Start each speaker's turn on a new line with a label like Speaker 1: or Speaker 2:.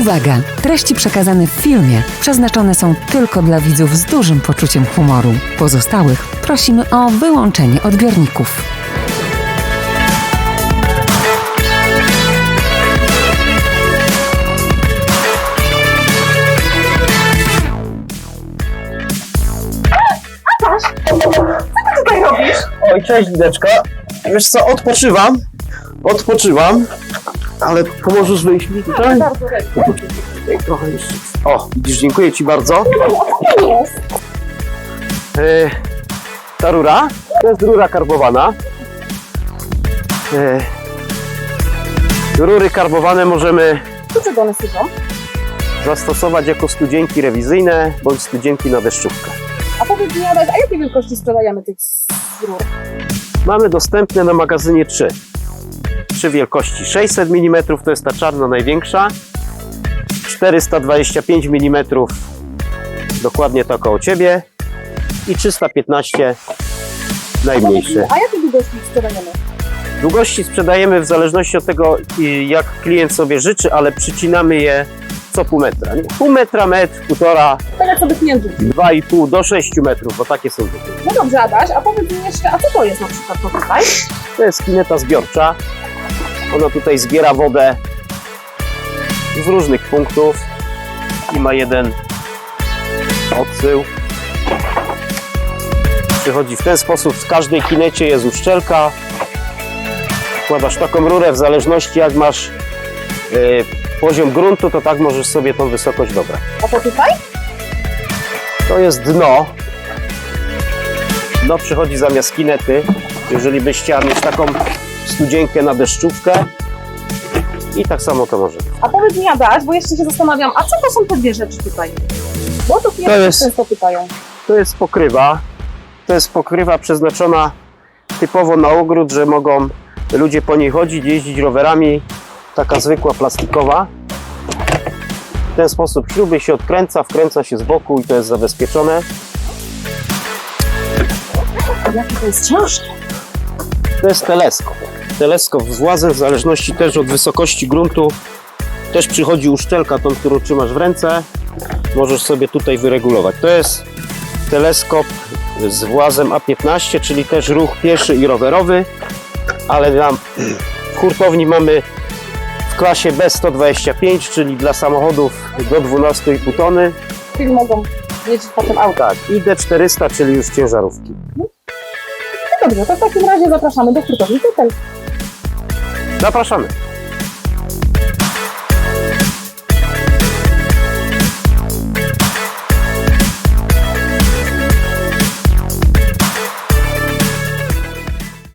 Speaker 1: Uwaga! Treści przekazane w filmie przeznaczone są tylko dla widzów z dużym poczuciem humoru. Pozostałych prosimy o wyłączenie odbiorników.
Speaker 2: Co ty tutaj robisz?
Speaker 3: Oj, cześć Lideczka. Wiesz co, odpoczywam, ale pomożesz wyjść mi tutaj?
Speaker 2: Bardzo chętnie.
Speaker 3: Trochę jeszcze. O, widzisz, dziękuję Ci bardzo. Ta rura, to jest rura karbowana. Rury karbowane możemy
Speaker 2: Do czego one służą?
Speaker 3: zastosować jako studzienki rewizyjne bądź studzienki na deszczówkę.
Speaker 2: A powiedz mi, Adaś, a jakiej wielkości sprzedajemy tych rur?
Speaker 3: Mamy dostępne na magazynie trzy wielkości. 600 mm to jest ta czarna największa, 425 mm dokładnie to koło Ciebie i 315 najmniejsze.
Speaker 2: A jakie długości sprzedajemy?
Speaker 3: Długości sprzedajemy w zależności od tego, jak klient sobie życzy, ale przycinamy je co pół metra. Nie? Pół metra, metr, półtora,
Speaker 2: Tak jak sobie klient rzuci.
Speaker 3: 2,5 do 6 metrów, bo takie są zwykłe.
Speaker 2: No dobrze, Adaś, a powiedz mi jeszcze, a co to jest na przykład to tutaj?
Speaker 3: To jest kineta zbiorcza. Ona tutaj zbiera wodę z różnych punktów i ma jeden odsył. Przychodzi w ten sposób, w każdej kinecie jest uszczelka. Wkładasz taką rurę, w zależności jak masz poziom gruntu, to tak możesz sobie tą wysokość dobrać.
Speaker 2: A to tutaj?
Speaker 3: To jest dno. Dno przychodzi zamiast kinety. Jeżeli byś chciała mieć taką studzienkę na deszczówkę i tak samo to może być.
Speaker 2: A powiedz mi, Adaś, bo jeszcze się zastanawiam, a co to są te dwie rzeczy tutaj? Bo to klienci
Speaker 3: jest-
Speaker 2: często pytają.
Speaker 3: To jest pokrywa. To jest pokrywa przeznaczona typowo na ogród, że mogą ludzie po niej chodzić, jeździć rowerami. Taka zwykła plastikowa. W ten sposób śruby się odkręca, wkręca się z boku i to jest zabezpieczone.
Speaker 2: Jakie to jest ciężkie.
Speaker 3: To jest teleskop. Teleskop z włazem, w zależności też od wysokości gruntu. Też przychodzi uszczelka, tą, którą trzymasz w ręce. Możesz sobie tutaj wyregulować. To jest teleskop z włazem A15, czyli też ruch pieszy i rowerowy. Ale w hurtowni mamy w klasie B125, czyli dla samochodów do 12,5 tony.
Speaker 2: Czyli mogą mieć potem auto.
Speaker 3: Tak, i D400, czyli już ciężarówki.
Speaker 2: No dobrze, to w takim razie zapraszamy do hurtowni Tytel.
Speaker 3: Zapraszamy.